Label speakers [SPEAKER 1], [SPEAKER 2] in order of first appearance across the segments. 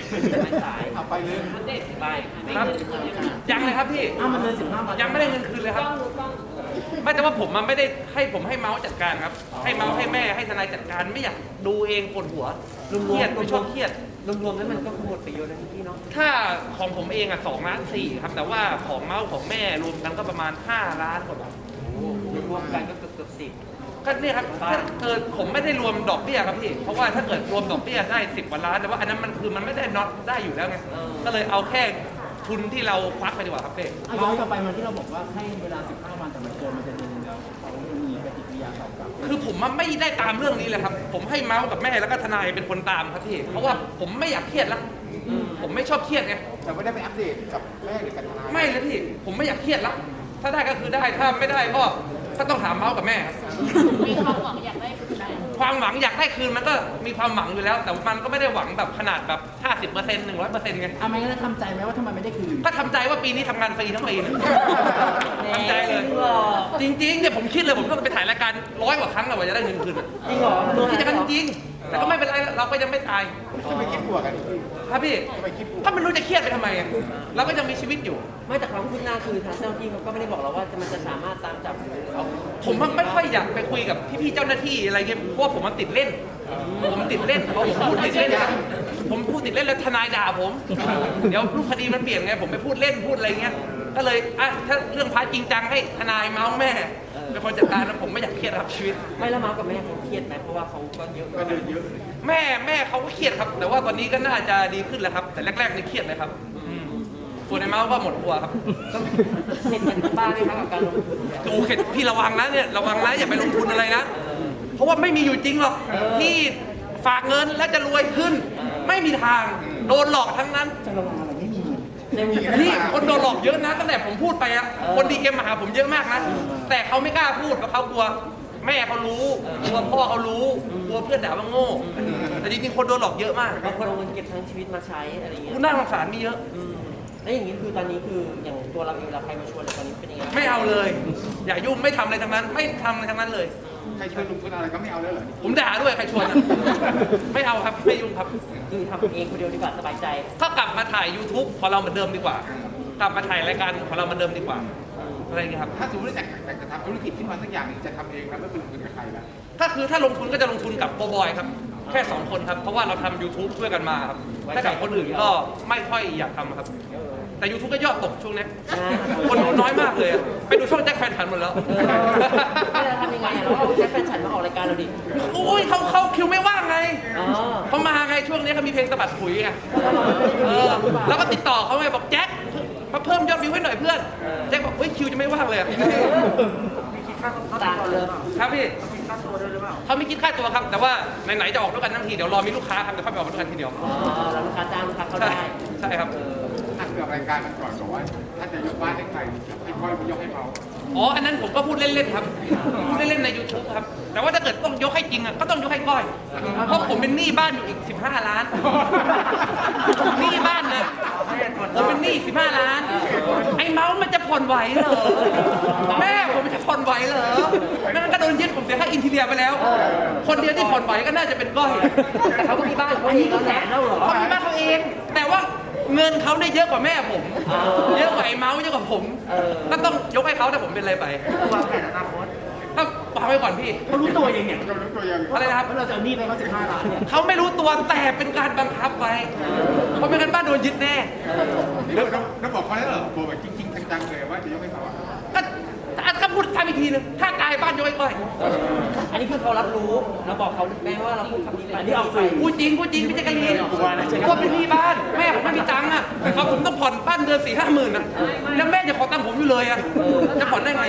[SPEAKER 1] ไม่สาย
[SPEAKER 2] เอาไปเลย
[SPEAKER 1] เด็กไป
[SPEAKER 3] ครับยังเลยครับพี่
[SPEAKER 2] มันเลย15 วัน
[SPEAKER 3] ยังไม่ได้เงินคืนเลยครับไม่แต่ว่าผมมันไม่ได้ให้ผมให้เมาส์จัดการครับให้เมาส์ให้แม่ให้ทนายจัดการไม่อยากดูเองปวดหัวเครียดไม่ชอบเครียด
[SPEAKER 1] รวมๆแล้วมันก็หมดไปเยอะนะพี่เนาะ
[SPEAKER 3] ถ้าของผมเอง2.4 ล้านครับแต่ว่าของเมาส์ของแม่รวมกันก็ประมาณ5 ล้านกว่าบาท
[SPEAKER 1] รวมกันก็เกือบ10
[SPEAKER 3] ก็เนี่ยครับผมไม่ได้รวมดอกเบี้ยครับพี่เพราะว่าถ้าเกิดรวมดอกเบี้ยได้10 กว่าล้านแต่ว่าอันนั้นมันไม่ได้น็อตได้อยู่แล้วไงก็เลยเอาแค่ทุนที่เราควักไปดีกว่าครับเป้
[SPEAKER 2] ย้อนกลับไปมันที่เราบอกว่าให้เวลา15 วันแต่มันเกินมันจะเดือนแล้วเขามีปฏิกิริยาตอบกลับ
[SPEAKER 3] คือผมไม่ได้ตามเรื่องนี้เลยครับผมให้เมาส์กับแม่แล้วก็ทนายเป็นคนตามครับพี่เพราะว่าผมไม่อยากเครียดแล้วผมไม่ชอบเครียดไง
[SPEAKER 2] แต่ไม่ได้ไปอัปเดตกับแม่หรือกับทนาย
[SPEAKER 3] ไม่เลยพี่ผมไม่อยากเครียดแล้วถ้าได้ก็คือได้ถ้าไม่ได้ก็ต้องถามเมาส์กับแม่ครับ
[SPEAKER 4] มีความหวังอยากได้คืนไหม
[SPEAKER 3] ความหวังอยากได้คืนมันก็มีความหวังอยู่แล้ว แต่มันก็ไม่ได้หวังแบบขนาดแบบ 50% 100%ไง
[SPEAKER 2] ไม่งั้นทำใจไหมว่าทำไมไม่ได้คืน
[SPEAKER 3] ก็ทำใจว่าปีนี้ทำงานฟรีทั้งปีทำใจเลยจริงๆเนี่ยผมคิดเลยผมต้องไปถ่ายรายการ100 กว่าครั้งเลยว่าจะได้เงินคืน
[SPEAKER 1] จริงเหรอ
[SPEAKER 3] คิดอย่างนั้นจริงแต่ก็ไม่เป็นไรเราก็ยังไม่ตาย
[SPEAKER 2] จะไปคิดบวกกัน
[SPEAKER 3] ครับพี่ถ้าไม่รู้จะเครียดไปทำไมเราก็ยังมีชีวิตอยู่
[SPEAKER 1] ไม่แต่ความคืบหน้าคือทางเจ้าหน้าที่เขาก็ไม่ได้บอกเราว่ามันจะสามารถตามจับเขา
[SPEAKER 3] ผมไม่ค่อยอยากไปคุยกับพี่ๆเจ้าหน้าที่อะไรเงี้ยเพราะว่าผมมันติดเล่นผมติดเล่นผมพูดติดเล่นผมพูดติดเล่นแล้วทนายด่าผมเดี๋ยวรูปคดีมันเปลี่ยนไงผมไปพูดเล่นพูดอะไรเงี้ยก็เลยถ้าเรื่องพาร์ทจริงจังให้ทนายเมาส์แม่เป็นคนจัดการแล้วผมไม่อยากเครียดครับชีวิต
[SPEAKER 1] ไม่แล้วเมาส์กับแม่เขาเครียดไหมเพราะว่าเขาก็เยอะก็เดินเยอะ
[SPEAKER 3] แม่เขาก็เครียดครับแต่ว่าตอนนี้ก็น่าจะดีขึ้นแล้วครับแต่แรกๆนี่เครียดเลยครับส่วนในเมาส์ก็หมดตัวครับ
[SPEAKER 1] เห็นบ้างไหมครับกับการลงทุน
[SPEAKER 3] ดูเข็ดพี่ระวังนะเนี่ยระวังนะอย่าไปลงทุนอะไรนะเพราะว่าไม่มีอยู่จริงหรอกที่ฝากเงินแล้วจะรวยขึ้นไม่มีทางโดนหลอกทั้งนั้น
[SPEAKER 2] จะระวังอะไรไม่มี
[SPEAKER 3] นี่คนโดนหลอกเยอะนะตั้งแต่ผมพูดไปอะคนดีเอ็มมาหาผมเยอะมากนะแต่เขาไม่กล้าพูดเพราะเขากลัวแม่เขารู้กลัวพ่อเขารู้กลัวเพื่อนด่าว่าโง่แต่จริงๆคนโดนหลอกเยอะมาก
[SPEAKER 1] บางคนเอาเงินเก็บทั้งชีวิตมาใช้อะไรอย่างเงี้ย
[SPEAKER 3] น่าสงสารมีเยอะ
[SPEAKER 1] แล้วอย่างนี้คือตอนนี้คืออย่างตัวเราเองเราใครมาชวนอะไรตอนนี้เป็นยังไง
[SPEAKER 3] ไม่เอาเลยอย่ายุ่งไม่ทำอะไรทั้งนั้นไม่ทำอะไรทั้งนั้นเลย
[SPEAKER 2] ใครชวนลงทุนอะไรก็ไม่เอาเลยเหรอ
[SPEAKER 3] ผมด่าด้วยใครชวนไม่เอาครับไม่ยุ่งครับ
[SPEAKER 1] คือทำเองคนเดียวดีกว่าสบายใจ
[SPEAKER 3] ก็กลับมาถ่าย YouTube ของเราเหมือนเดิมดีกว่ากลับมาถ่ายรายการของเราเหมือนเดิมดีกว่าอะไรอย่างเงี้ยครับ
[SPEAKER 2] ถ้าสมมติอยากจะทำธุรกิจขึ้นมาสักอย่างนึงจะทำเองนะไม่เป็นลงทุนกับใครนะ
[SPEAKER 3] ก็คือถ้าลงทุนก็จะลงทุนกับโบบอยครับแค่2 คนครับเพราะว่าเราทำ YouTube ช่วยกันมาครับถ้ากับคนอื่นก็ไม่ค่อยอยากทำครับแต่ YouTube ก็ยอดตกช่วงนี้คนดูน้อยมากเลยไปดูช่องแจ็คแฟนฉันหมดแล้ว
[SPEAKER 1] เราทำยังไงเราเอาแจ็คแฟนฉันมาออกรายการเราดิ
[SPEAKER 3] โอ้ยเขาคิวไม่ว่างไงเขามาไงช่วงนี้เขามีเพลงสะบัดปุ๋ยไงแล้วก็ติดต่อเขาไงบอกแจ็คมาเพิ่มยอดวิวให้หน่อยเพื่อนแจ็คบอกเฮ้ยคิวจะไม่ว่างเลย
[SPEAKER 1] ต่างเลย
[SPEAKER 3] ครับพี่เขาไม่คิดค่าตัวครับแต่ว่าไหนๆจะออกด้วยกันทั้งทีเดี๋ยวรอมีลูกค้าครับเดี๋ยวค่อยไปออกด้วยกันทีเดียว
[SPEAKER 1] เราลูกค้าจ้างลูกค้าเขาได้
[SPEAKER 3] ใช่ครับ
[SPEAKER 2] ถ้าเกิดรายการมันก่อนบอกว่าถ้าจะยกบ้านให้ใครให้ค่อยยกให้เขา
[SPEAKER 3] อันนั้นผมก็พูดเล่นๆครับพูดเล่นๆใน YouTube ครับแต่ว่าถ้าเกิดต้องยกให้จริงก็ต้องยกให้ก้อยเพราะผมเป็นหนี้บ้านอยู่อีก15 ล้านหนี้บ้านเลยผมเป็นหนี้15 ล้านไอ้เมาส์มันจะผ่อนไหวเหรอแม่ผมจะผ่อนไหวเหรอแม่ก็โดนยึดผมเสียค่าอินทีเรียไปแล้วคนเดียวที่ผ่อนไหวก็น่าจะเป็นก้อย
[SPEAKER 1] แต่เขาก็มีบ้านเขาเองแหละ
[SPEAKER 3] เขามีบ้านเขาเองแต่ว่าเงินเขาได้เยอะกว่าแม่ผมเยอะกว่าไอ้เมาส์เยอะกว่าผมก็ต้องยกให้เขาแต่ผมเป็นอะไรไป
[SPEAKER 1] วางแผนอนาคต
[SPEAKER 3] ก็วางไว้ก่อนพี่
[SPEAKER 2] เขารู้ตัวยังไงเขารู้ตัวยัง
[SPEAKER 3] อะไรนะครับ
[SPEAKER 2] เราจะเอาหนี้ไปเขา15 ล้านเนี่ย
[SPEAKER 3] เขาไม่รู้ตัวแต่เป็นการบังคับไว้เพราะไม่งั้นบ้านโดนยึดแน่
[SPEAKER 2] แล้วบอกเขาได้เหรอบอกแบบจริงๆจังๆเลยว่าจะยกให้เขา
[SPEAKER 3] ก็พูดทำอีกทีนึงถ้ากายบ้านยกให้ก้อย
[SPEAKER 1] อันนี้คือเขารับรู้เราบอกเขาแม้ว่าเราพูดคำนี้ไปที่ออกสื่อ
[SPEAKER 3] พูดจริงไม่ใช่กันเรียนก็เป็นหนี้บ้านแม่ผมไม่มีตังค์อ่ะเขาผมต้องผ่อนบ้านเดือน4-5 หมื่นอ่ะแล้วแม่จะขอตังค์ผมอยู่เลยอ่ะจะผ่อนได้ไง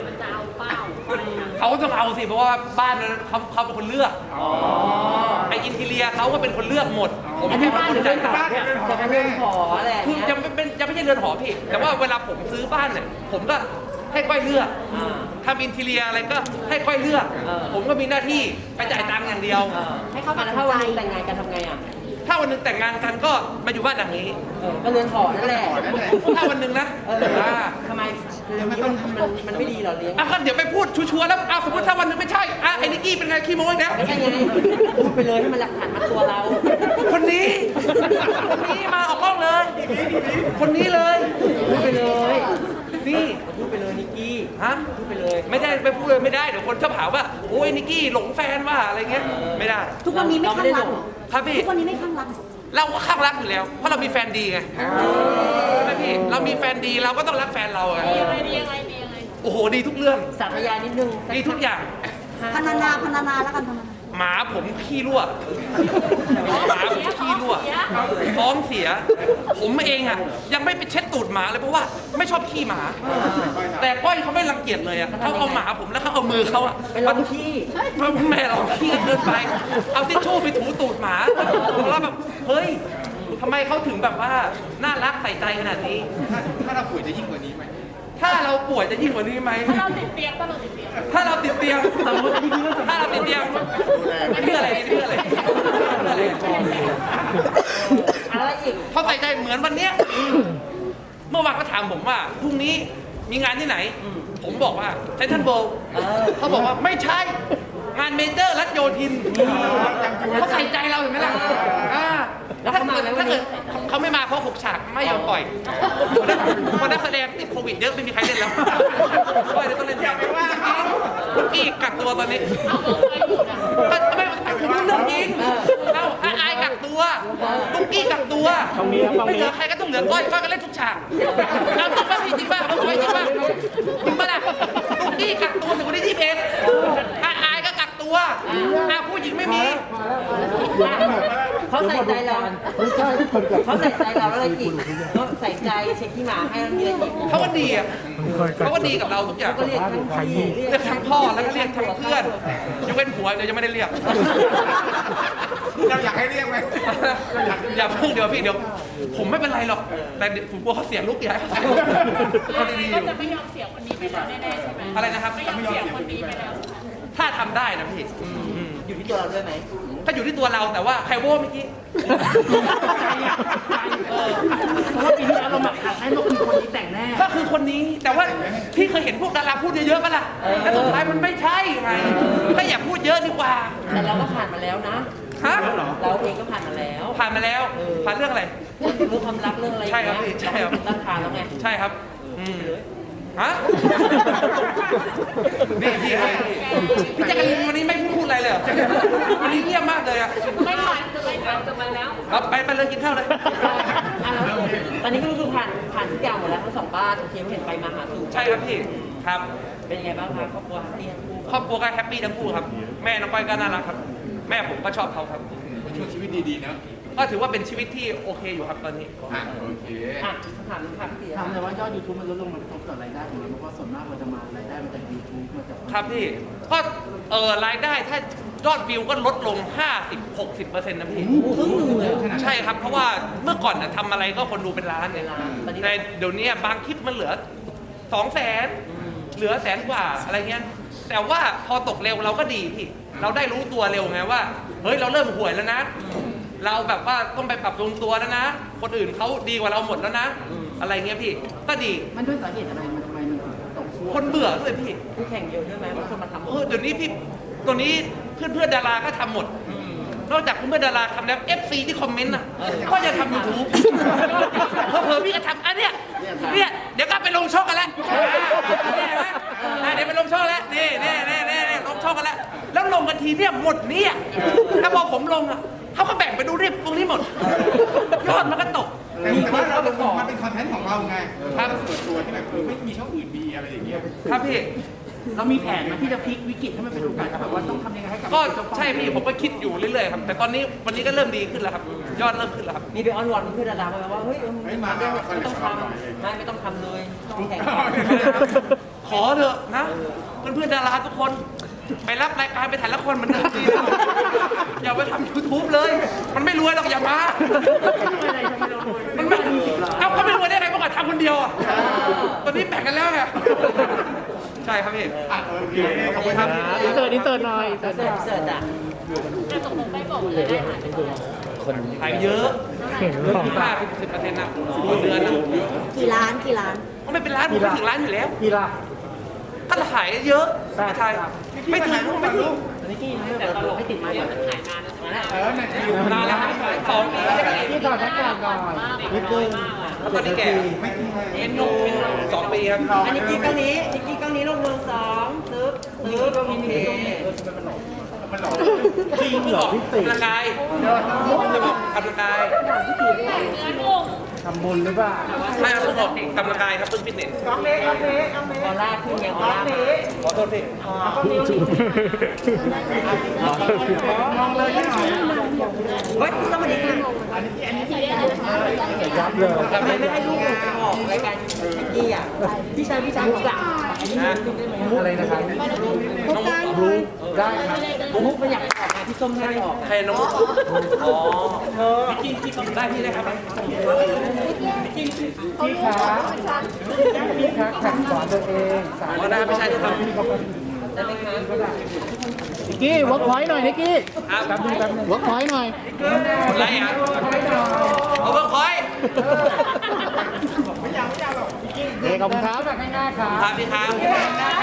[SPEAKER 3] เขาต้องเอาสิเพราะว่าบ้านนั้นเขาเป็นคนเลือกไออินทีเรียเขาก็เป็นคนเลือกหมดผมแค่เป็นคนจ่าย
[SPEAKER 1] บ้านจะเป็นเรือนหอแหละ
[SPEAKER 3] คือจะไม่ใช่เรือนหอพี่แต่ว่าเวลาผมซื้อบ้านเนี่ยผมก็ให้ก้อยเลือกทำอินทีเรียอะไรก็ให้ก้อยเลือกผมก็มีหน้าที่ไปจ่ายตังค์อย่างเดียว
[SPEAKER 1] ให้เขาถ้าวันนึงแต่งงานกันทำไงอ่ะ
[SPEAKER 3] ถ้าวันนึงแต่งงานกันก็มาอยู่บ้านหลังนี้
[SPEAKER 1] ก็เรือนหอนั่นแหละ
[SPEAKER 3] ถ้าวันนึงนะ
[SPEAKER 1] ทำไมมันไม่ดีหรอเลี้ยง
[SPEAKER 3] ก็เดี๋ยวไปพูดชัวร์แล้วสมมติถ้าวันนึงไม่ใช่ไอ้นิกกี้เป็นไงขี้โม้อีกแล้ว
[SPEAKER 1] ไม่ใช่ไงพูดไปเลยให้มันหลักฐานมัดตัวเรา
[SPEAKER 3] คนนี้คนนี้เลย
[SPEAKER 1] พูดไปเลย
[SPEAKER 3] นี่
[SPEAKER 1] พูดไปเลยนิกกี้
[SPEAKER 3] ฮะ
[SPEAKER 1] พูดไปเลย
[SPEAKER 3] ไม่ได้ไปพูดเลยไม่ได้เดี๋ยวคนชอบหาว่าโอ้ยนิกกี้หลงแฟนว่าอะไรเงี้ยไม่ได้
[SPEAKER 5] ทุกวันนี้ไม่ข้างรักเหรอ
[SPEAKER 3] ครับพี่
[SPEAKER 5] ทุกวันนี้ไม่ข้างรักเหรอ
[SPEAKER 3] เราก็ข้างรักอยู่แล้ว เพราะเรามีแฟนดีไงใช่ไหมพี่เรามีแฟนดีเราก็ต้องรักแฟนเราไง
[SPEAKER 4] ดียังไงดียังไง
[SPEAKER 3] โอ้โหดีทุกเรื่อง
[SPEAKER 1] สาธยายนิดนึง
[SPEAKER 3] ดีทุกอย่าง
[SPEAKER 5] พนานาแล้วกันพนานา
[SPEAKER 3] หมาผมขี้รั่วหมาผมขี้รั่วท้องเสีย ผมเองอ่ะยังไม่ไปเช็ดตูดหมาเลยเพราะว่าไม่ชอบขี้หมา แต่ก้อยเขาไม่รังเกียจเลยอ่ะเขาเอาหมาผมแล้วเขาเอามือเขาอ่ะ
[SPEAKER 1] ไปลองขี้
[SPEAKER 3] แม่เราขี้เกินไป เอาทิชชู่ไปถูตูดหมาแล้วแบบเฮ้ยทำไมเขาถึงแบบว่าน่ารักใส่ใจขนาดนี้
[SPEAKER 6] ถ้าเราป่วยจะยิ่งกว่านี้ไหม
[SPEAKER 3] ถ้าเราป่วยจะยิ่งกว่านี้ไหม
[SPEAKER 4] ถ้าเราติดเตียงถ้าเราติดเตียง
[SPEAKER 3] ถ้าเราติดเตียงถ้าเราติดเตียงเพื่ออะไรเพื่ออะไรเพื่ออะไร
[SPEAKER 1] อะไรอีก
[SPEAKER 3] เขาใส่ใจเหมือนวันเนี้ยเมื่อวานก็ถามผมว่าพรุ่งนี้มีงานที่ไหน ผมบอกว่าเซนทรัลเวิลด์เขาบอกว่าไม่ใช่งานเมเจอร์รัชโยธินเขาใส่ใจเราเห็นไหมล่ะถ้าเกิดเขาไม่มาเพราะ6 ฉากไม่ยอมปล่อยเพราะนักแสดงติดโควิดเยอะไม่มีใครเล่นแล้วก็เลยต้องเล่นแทนอีกกักตัวตอนนี้
[SPEAKER 4] เอาเบอร์ไปอยู่นะ
[SPEAKER 3] ไม่ผมพูดเรื่องจริงเอาอายกักตัวตุ๊กกี้กักตัวไม่เหลือใครก็ต้องเหลือก้อยก็เล่นทุกฉากเอาจริงป่ะพี่จริงป่ะเอาไว้จริงป่ะจริงป่ะล่ะตุ๊กกี้กักตัวถึงวันที่21อายก็กักตัวผู้หญิงไม่มี
[SPEAKER 1] เขาใส่ใจเราเขาใส่ใจเราแล้วอะไรอีกเขาใส่ใจเช็คที่หมาให้เรามีอะไรอีก
[SPEAKER 3] เขาก็ดีอ่ะเขาก็ดีกับเราทุกอย่าง
[SPEAKER 1] ก็เรียกทั้งพี่
[SPEAKER 3] เรียกทั้งพ่อแล้วก็เรียกทั้งเพื่อนยกเว้นผัวเดี๋ยวยังไม่ได้เรียก
[SPEAKER 6] เราอยากให้เรียกไหม
[SPEAKER 3] อย่าเพิ่งเดี๋ยวพี่เดี๋ยวผมไม่เป็นไรหรอกแต่ผมกลัวเขาเสียลูกใหญ่เขาดีๆอ
[SPEAKER 4] ก็
[SPEAKER 3] ยู่
[SPEAKER 4] จะไม่ยอมเสียคนนี้ไปแล้วแน่ๆใช่ไหม
[SPEAKER 3] อะไรนะครับ
[SPEAKER 4] ไม่ยอมเสียคนนี้ไปแล้ว
[SPEAKER 3] ถ้าทำได้นะพี่
[SPEAKER 1] อยู่ที่ตัวเราด้วยไหม
[SPEAKER 3] ก็อยู่ที่ตัวเราแต่ว่าใครโว้เมื่อกี้
[SPEAKER 2] เพราะว่าปีที่แล้วเราหมักหักให้มาคือคนนี้แต่งแน่
[SPEAKER 3] ก็คือคนนี้แต่ว่าพี่เคยเห็นพวกดาราพูดเยอะๆป่ะล่ะแล้วสุดท้ายมันไม่ใช่ไงก็อย่าพูดเยอะดีกว่า
[SPEAKER 1] แต่เราก็ผ่านมาแล้วนะ
[SPEAKER 3] ฮะ
[SPEAKER 1] เราเองก็ผ่านมาแล้ว
[SPEAKER 3] ผ่านมาแล้วผ่านเรื่องอะไร
[SPEAKER 1] เรื่องความรักเรื่องอะไร
[SPEAKER 3] ใช่ครับพี่ใช่ครับ
[SPEAKER 1] รักผ่านแล้วไง
[SPEAKER 3] ใช่ครับฮะนี่พี่แจ๊กกะลินวันนี้ไม่พูดอะไรเลยเหรอวันนี้เงียบมากเลยอ่ะ
[SPEAKER 4] ไม่ผ่านจะไม่ผ่านจะมาแล้ว
[SPEAKER 3] เอาไปเลยกินข้าวเลย
[SPEAKER 1] แล้วตอนนี้ก็คือผ่านทุกอย่างหมดแล้วทั้งสองบ้านโอเคเห็นไปมาหาสู่
[SPEAKER 3] ใช่ครับพี่ครับ
[SPEAKER 1] เป็นยังไงบ้างครับครอบครัวเตียนคู่
[SPEAKER 3] ครอบครัวก็แฮปปี้ทั้งคู่ครับแม่น้องก้อยก็น่ารักครับ แม่ผมก็ชอบเขาครับ
[SPEAKER 6] ช่วงชีวิตดีๆนะ
[SPEAKER 3] ก็ถือว่าเป็นชีวิตที่โอเคอยู่ครับตอนนี้
[SPEAKER 6] โอเค
[SPEAKER 1] อ่ะถามพี่เตีย
[SPEAKER 2] ถามเลยว่ายอด YouTube มันลดลงมันกระทบต่อรายได้ของเราเพราะว่าส่วนมากเราจะมารายได้มาจาก YouTube มาจาก
[SPEAKER 3] ครับพี่ก็รายได้ถ้ายอดวิวก็ลดลง 50-60%นะพี่
[SPEAKER 1] ครึ่งหนึ่งเลย
[SPEAKER 3] ใช่ครับเพราะว่าเมื่อก่อนน่ะทำอะไรก็คนดูเป็นล้านเนี่ยแต่เดี๋ยวนี้บางคลิปมันเหลือ 200,000เหลือ100,000 กว่าอะไรเงี้ยแต่ว่าพอตกเร็วเราก็ดีพี่เราได้รู้ตัวเร็วไงว่าเฮ้ยเราเริ่มห่วยแล้วนะ เราแบบว่าต้องไปปรับปรุงตัวแล้วนะ คนอื่นเขาดีกว่าเราหมดแล้วนะ อะไรเงี้ยพี่ก็ดี
[SPEAKER 2] มันด้วยสาเหตุอะไรมันทำไมมันตกช่วง
[SPEAKER 3] คนเบื่อด้วยพี่
[SPEAKER 1] คู่แข่งเยอะด้วยไหมบางคนมาทำ
[SPEAKER 3] เดี๋ยวนี้พี่ตัวนี้เพื่อนๆดาราก็ทำหมด นอกจากเพื่อนๆดาราทำแล้ว FC ที่คอมเมนต์น่ะก็จะทำ YouTube เผลอๆพี่ก็ทำอันเนี้ยเดี๋ยวก็ไปลงช่องกันแล้วเนี่ยเห็นไหมเดี๋ยวไปลงช่องแล้วนี่ลงช่องกันแล้วแล้วลงกันทีเนี่ยหมดเนี่ยแล้วพอผมลงอ่ะเขาก็แบ่งไปดูเรียบตรงนี้หมดยอดมันก็ตก
[SPEAKER 6] แต่ว่าเรามันเป็นคอนเทนต์ของเราไง
[SPEAKER 3] ครับ
[SPEAKER 6] ส่วนตัวที่แบบไม่มีช่องอื่นมีอะไรอย่างเงี้ย
[SPEAKER 3] ครับพี่
[SPEAKER 2] เรามีแผนไหมที่จะพลิกวิกฤตให้มันเป็นโอกาสแบบว่าต้องทำยังไงให้กับ
[SPEAKER 3] ก็ใช่พี่ผมก็คิดอยู่เรื่อยๆครับแต่ตอนนี้วันนี้ก็เริ่มดีขึ้นแล้วครับยอดเริ่มขึ้นแล้วครับ
[SPEAKER 1] มีไปอ้อนวอนเพื่อนดาราไหมว่าเฮ้ยไม่ต้องทำไม่ต้องทำเลยคู่แข่ง
[SPEAKER 3] ขอเถอะนะเพื่อนๆดาราทุกคนไปรับรายการไปถ่ายละครเหมือนเดิมดีนะอย่าไปทำ YouTube เลย มันไม่รวยหรอกอย่ามามันไม่เอาก็ไม่รวยได้ไงเมื่อก่อนทำคนเดียวอ่ะตอนนี้แบ่งกันแล้วไงใช่ครับพี่
[SPEAKER 6] โอเคขอบคุณครับ
[SPEAKER 2] อินเสิร์ตหน่อย
[SPEAKER 1] เสิร์ชอ่ะ
[SPEAKER 4] แต่ตกลงได้บอกเลยได้หายไปเท่าไหร่
[SPEAKER 3] หายเยอะ50-10%นะต่อเดือนนะ
[SPEAKER 5] กี่ล้านกี่ล้าน
[SPEAKER 3] ก็ไม่เป็นล้านผมไม่ถึงล้านอยู่แล้ว
[SPEAKER 2] พี่ล่ะ
[SPEAKER 3] ถ้าขายเยอะไม่ไทยไม่ถึง
[SPEAKER 2] อันนี้กี้นะแต่ตลกให้ติดไม้ก่อน
[SPEAKER 4] มันหายนานแล้วใช่ไหม
[SPEAKER 3] นานแล้วครับ2 ปีแล้ว
[SPEAKER 2] ที่ต่อแท็กก่อนก่อน
[SPEAKER 3] แล้วตอนนี้แก่เอ็นนุ่ม2 ปีครับ
[SPEAKER 1] อันนี้กี้เกาหลีนิกกี้เกาหลีลงเมือง2ซึบโอเค
[SPEAKER 3] จริงเหรอพี่ติกำลังกายจะบอกกำลังกาย
[SPEAKER 4] เนื้อนุ่ม
[SPEAKER 2] ทำบุญหรือเปล่า
[SPEAKER 3] ไม่เอาต้องออกกำลังกายครับเพิ่งฟิตเนส
[SPEAKER 1] ออร่าขึ้นยังออร่า
[SPEAKER 3] ขอโทษพี่
[SPEAKER 2] มองเลยที่ไหน
[SPEAKER 1] เฮ้ยสวัสดีค่ะ
[SPEAKER 2] ยับเลย
[SPEAKER 1] ทำไมไม่ให้ลูกหนูไปออกรายการนิกกี้อ่ะพี่ชายลูกอ่ะ
[SPEAKER 2] อะไรนะครับ
[SPEAKER 1] น้องมุก
[SPEAKER 2] ได้ครับ
[SPEAKER 1] มุกไม่อยากออกนะพี่ส้มให้ออก
[SPEAKER 3] ใครน้องมุกอ๋อพี่กินได้พี่ได้ครับ
[SPEAKER 2] พี่ขาพี่ขาแข่งสอนตัวเองสอน
[SPEAKER 3] อ๋อได้ไม่ใช่ที่ทำ
[SPEAKER 1] ได้ไหมคะ
[SPEAKER 2] นิกกี้วอล์กพอยต์หน่อยนิกกี้
[SPEAKER 3] ครับ
[SPEAKER 2] แป๊บนึงวอล์กพอยต์หน่อย
[SPEAKER 3] อะไรอ่ะเอาเพิ่มพอย
[SPEAKER 2] เด็กขอบคุณครับแบบง่ายๆครับ
[SPEAKER 3] ครับพี่ครับ